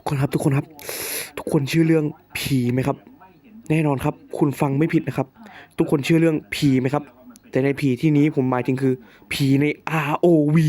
กคนครับทุกคนครับทุกคนชื่อเรื่องผีไหมครับแน่นอนครับคุณฟังไม่ผิดนะครับทุกคนชื่อเรื่องผีไหมครับแต่ในผีที่นี้ผมหมายถึงคือผีใน ROV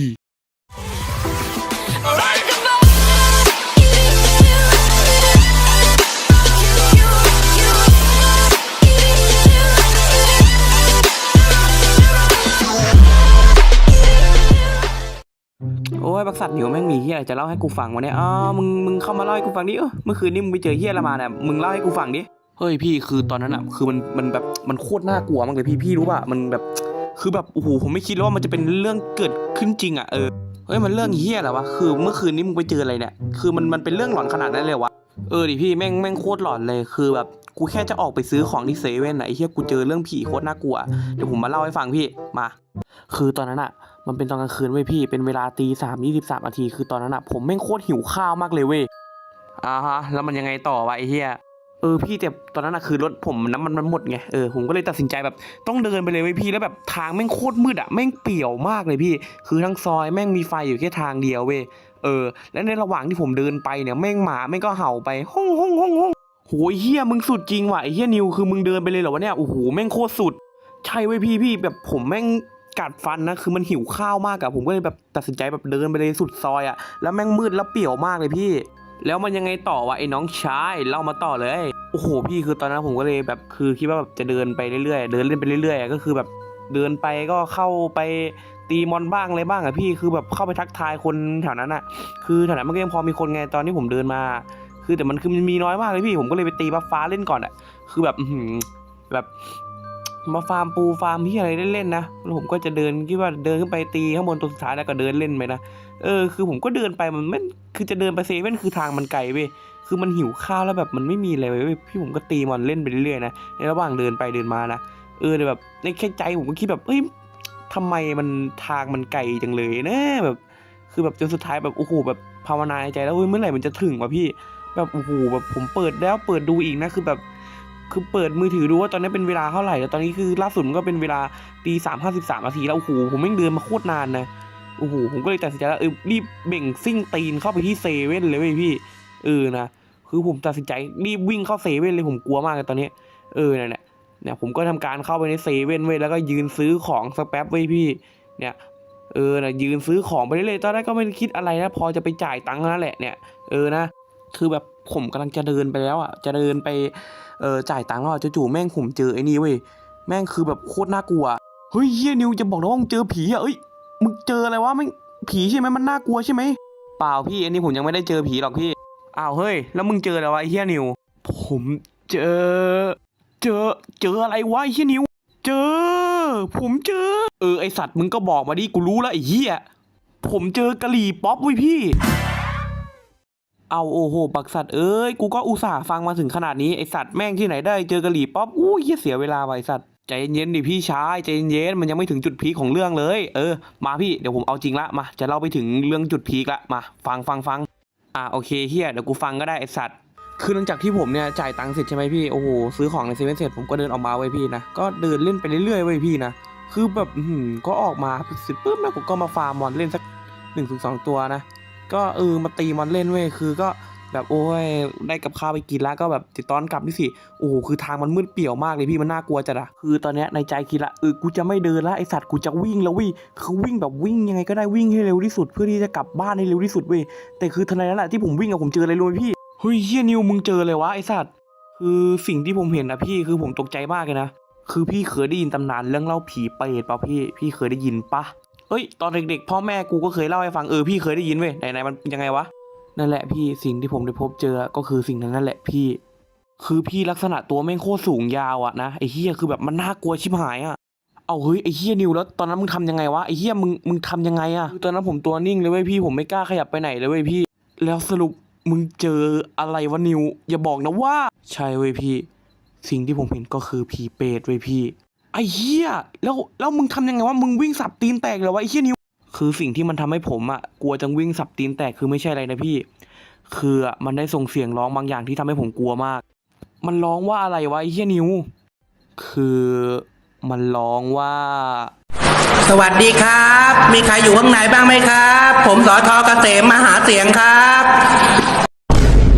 โอ้ยบักสัตว์เหนียวแม่งมีเฮียอะไรจะเล่าให้กูฟังวะเนี่ยมึงเข้ามาเล่าให้กูฟังดิเมื่อคืนนี้มึงไปเจอเฮียอะไรมาเนี่ยมึงเล่าให้กูฟังดิเฮ้ยพี่คือตอนนั้นอ่ะคือมันแบบมันโคตรน่ากลัวมากเลยพี่รู้ป่ะมันแบบคือแบบโอ้โหผมไม่คิดว่ามันจะเป็นเรื่องเกิดขึ้นจริงอ่ะเฮ้ยมันเรื่องเฮียอะไรวะคือเมื่อคืนนี้มึงไปเจออะไรเนี่ยคือมันเป็นเรื่องหลอนขนาดนั้นเลยวะดิพี่แม่งโคตรหลอนเลยคือแบบกูแค่จะออกไปซื้อของที่เซเว่นไอ้เฮียกูเจอเรื่องผีโคตรน่ากลัวเดี๋ยวผมมาเล่าให้ฟังพี่มาคือตอนนั้นอ่ะมันเป็นตอนกลางคืนเว้ยพี่เป็นเวลา3:23 นาทีคือตอนนั้นอ่ะผมแม่งโคตรหิวข้าวมากเลยเว้ยฮะแล้วมันยังไงต่อวะไอ้เหี้ยพี่แต่ตอนนั้นอ่ะคือรถผมน้ำมันหมดไงผมก็เลยตัดสินใจแบบต้องเดินไปเลยเว้ยพี่แล้วแบบทางแม่งโคตรมืดอ่ะแม่งเปี่ยวมากเลยพี่คือทั้งซอยแม่งมีไฟอยู่แค่ทางเดียวเว้ยและในระหว่างที่ผมเดินไปเนี่ยแม่งหมาแม่งก็เห่าไปห้องโหเหี้ยมึงสุดจริงว่ะไอ้เหี้ยนิวคือมึงเดินไปเลยเหรอวะเนี่ยโอ้โหแม่งโคตรสุดใช่เว้ยพี่แบบผมแม่งกัดฟันนะคือมันหิวข้าวมากอะผมก็เลยแบบตัดสินใจแบบเดินไปเลยสุดซอยอะแล้วแม่งมืดแล้วเปี่ยวมากเลยพี่แล้วมันยังไงต่อวะไอ้น้องชายเล่ามาต่อเลยโอ้โหพี่คือตอนนั้นผมก็เลยแบบคือคิดว่าแบบจะเดินไปเรื่อยๆเดินเล่นไปเรื่อยๆก็คือแบบเดินไปก็เข้าไปตีมอนบ้างอะไรบ้างอะพี่คือแบบเข้าไปทักทายคนแถวนั้นอะคือแถวนั้นมันก็ยังพอมีคนไงตอนที่ผมเดินมาคือแต่มันมีน้อยมากเลยพี่ผมก็เลยไปตีบัฟฟ้าเล่นก่อนอะคือแบบแบบมาฟาร์มปูฟาร์มที่อะไรเล่นๆนะแล้วผมก็จะเดินคิดว่าเดินขึ้นไปตีข้างบนตัวสุดท้ายแล้วก็เดินเล่นไปนะคือผมก็เดินไปมันไม่คือจะเดินไปเซเว่นคือทางมันไกลเว้ยคือมันหิวข้าวแล้วแบบมันไม่มีอะไรเว้ยพี่ผมก็ตีมันเล่นไปเรื่อยๆนะในระหว่างเดินไปเดินมานะแต่แบบในแค่ใจผมก็คิดแบบเฮ้ยทำไมมันทางมันไกลจังเลยนะแบบคือแบบจนสุดท้ายแบบโอ้โหแบบภาวนาในใจแล้วเฮ้ยเมื่อไหร่มันจะถึงวะพี่แบบโอ้โหแบบผมเปิดแล้วเปิดดูอีกนะคือแบบคือเปิดมือถือดูว่าตอนนี้เป็นเวลาเท่าไหร่แล้วตอนนี้คือล่าสุดมันก็เป็นเวลา3:53 นาทีแล้วโอ้โหผมไม่เดินมาโคตรนานนะโอ้โหผมก็เลยตัดสินใจแล้วรีบเบ่งซิ่งตีนเข้าไปที่เซเว่นเลยเว้ยพี่นะคือผมตัดสินใจรีบวิ่งเข้าเซเว่นเลยผมกลัวมากเลยตอนนี้เนี่ยผมก็ทำการเข้าไปในเซเว่นเว้ยแล้วก็ยืนซื้อของสักแป๊บเว้ยพี่เนี่ยนะยืนซื้อของไปเรื่อยๆตอนแรกก็ไม่ได้คิดอะไรนะพอจะไปจ่ายตังค์นั่นแหละเนี่ยนะคือแบบผมกำลังจะเดินไปแล้วอ่ะจะเดินไปจ่ายตังค์แล้วจู่ๆแม่งผมเจอไอ้นี่เว้ยแม่งคือแบบโคตรน่ากลัวเฮ้ยเฮียนิวจะบอกนะว่ามึงเจอผีอ่ะมึงเจออะไรวะแม่งผีใช่ไหมมันน่ากลัวใช่ไหมเปล่าพี่อันนี้ผมยังไม่ได้เจอผีหรอกพี่อ้าวเฮ้ยแล้วมึงเจออะไรวะไอ้เฮียนิวผมเจออะไรวะไอ้เฮียนิวผมเจอไอสัตว์มึงก็บอกมาดิกูรู้แล้วไอ้เฮียผมเจอกะหรี่ป๊อปเว้ยพี่เอาโอ้โหบักสัตว์กูก็อุตส่าห์ฟังมาถึงขนาดนี้ไอสัตว์แม่งที่ไหนได้เจอกะหรี่ป๊อปเหี้ยเสียเวลาไอสัตว์ใจเย็นดิพี่ชายใจเย็นมันยังไม่ถึงจุดพีคของเรื่องเลยมาพี่เดี๋ยวผมเอาจริงละมาจะเล่าไปถึงเรื่องจุดพีคละมาฟังโอเคเฮียเดี๋ยวกูฟังก็ได้ไอสัตว์คือหลังจากที่ผมเนี่ยจ่ายตังค์เสร็จใช่ไหมพี่โอ้โหซื้อของในเซเว่นเสร็จผมก็เดินออกมาไว้พี่นะก็เดินเล่นไปเรื่อยๆไว้พี่นะคือแบบก็ออกมาเสร็จปุ๊บแล้วผมก็มาฟาร์มมอนเล่นสัก1-2 ตัวนะก็มาตีมอนเล่นเว้ยคือก็แบบโอ้ยได้กับข้าวไปกินแล้วก็แบบติดตอนกลับนี่สิโอ้โหคือทางมันมืดเปี่ยวมากเลยพี่มันน่ากลัวจัดอะคือตอนเนี้ยในใจคิดละกูจะไม่เดินละไอสัตว์กูจะวิ่งแล้ววิ่งคือวิ่งแบบวิ่งยังไงก็ได้วิ่งให้เร็วที่สุดเพื่อที่จะกลับบ้านให้เร็วที่สุดเว้ยแต่คือทันใดนั้นแหละที่ผมวิ่งผมเจออะไรรู้ไหมพี่เฮ้ยเฮียนิวมึงเจอเลยวะไอสัตว์คือสิ่งที่ผมเห็นนะพี่คือผมตกใจมากเลยนะคือพี่เคยได้ยินตำนานเรื่องเล่าผีเปรตป่ะพี่เคยได้ยินปะตอนเด็กๆพ่อแม่กูก็เคยเล่าให้ฟังพี่เคยได้ยินเว้ยไหนมันยังไงวะนั่นแหละพี่สิ่งที่ผมได้พบเจอก็คือสิ่งนั้นนั่นแหละพี่คือพี่ลักษณะตัวแม่งโคตรสูงยาวอะนะไอ้เฮียคือแบบมันน่ากลัวชิบหายอะเอาเฮ้ยไอ้เฮียนิวแล้วตอนนั้นมึงทำยังไงวะไอ้เฮียมึงทำยังไงอะตอนนั้นผมตัวนิ่งเลยเว้ยพี่ผมไม่กล้าขยับไปไหนเลยเว้ยพี่แล้วสรุปมึงเจออะไรวะนิวอย่าบอกนะว่าใช่เว้ยพี่สิ่งที่ผมเห็นก็คือผีเปรตเว้ยพี่ไอ้เฮียแล้วมึงทำยังไงวะมึงวิ่งสับตีนแตกเหรอวะไอ้เฮียนิวคือสิ่งที่มันทำให้ผมกลัวจังวิ่งสับตีนแตกคือไม่ใช่อะไรนะพี่คือมันได้ส่งเสียงร้องบางอย่างที่ทำให้ผมกลัวมากมันร้องว่าอะไรวะไอ้เฮียนิวคือมันร้องว่าสวัสดีครับมีใครอยู่ข้างในบ้างไหมครับผมสท.เกษมมาหาเสียงครับ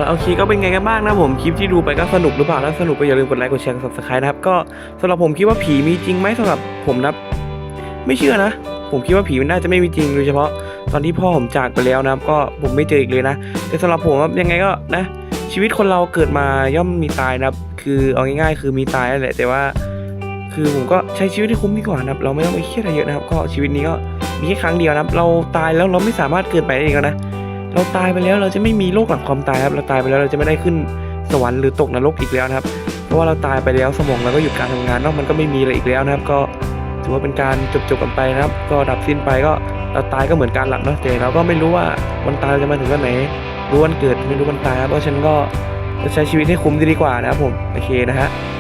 โอเคก็เป็นไงกันบ้างนะผมคลิปที่ดูไปก็สนุกหรือเปล่าถ้าสนุกก็อย่าลืมกดไลค์กดแชร์กด Subscribe นะครับก็สำหรับผมคิดว่าผีมีจริงไหมสำหรับผมนะไม่เชื่อนะผมคิดว่าผีมันน่าจะไม่มีจริงโดยเฉพาะตอนที่พ่อผมจากไปแล้วนะครับก็ผมไม่เจออีกเลยนะแต่สำหรับผมยังไงก็นะชีวิตคนเราเกิดมาย่อมมีตายนะครับคือเอาง่ายๆคือมีตายนั่นแหละแต่ว่าคือผมก็ใช้ชีวิตให้คุ้มดีกว่านะครับเราไม่ต้องไปเครียดอะไรเยอะนะครับก็ชีวิตนี้ก็มีแค่ครั้งเดียวนะครับเราตายแล้วเราไม่สามารถเกิดไปได้อีกแล้วนะเราตายไปแล้วเราจะไม่มีโลกหลังความตายครับเราตายไปแล้วเราจะไม่ได้ขึ้นสวรรค์หรือตกนรกอีกแล้วนะครับเพราะว่าเราตายไปแล้วสมองเราก็หยุดการทำงานเนาะมันก็ไม่มีอะไรอีกแล้วนะครับก็ถือว่าเป็นการจบกันไปนะครับก็ดับสิ้นไปก็เราตายก็เหมือนการหลับเนาะแต่เราก็ไม่รู้ว่าวันตายจะมาถึงวันไหนรู้วันเกิดไม่รู้วันตายครับเพราะฉะนั้นก็ใช้ชีวิตให้คุ้มดีกว่านะครับผมโอเคนะฮะ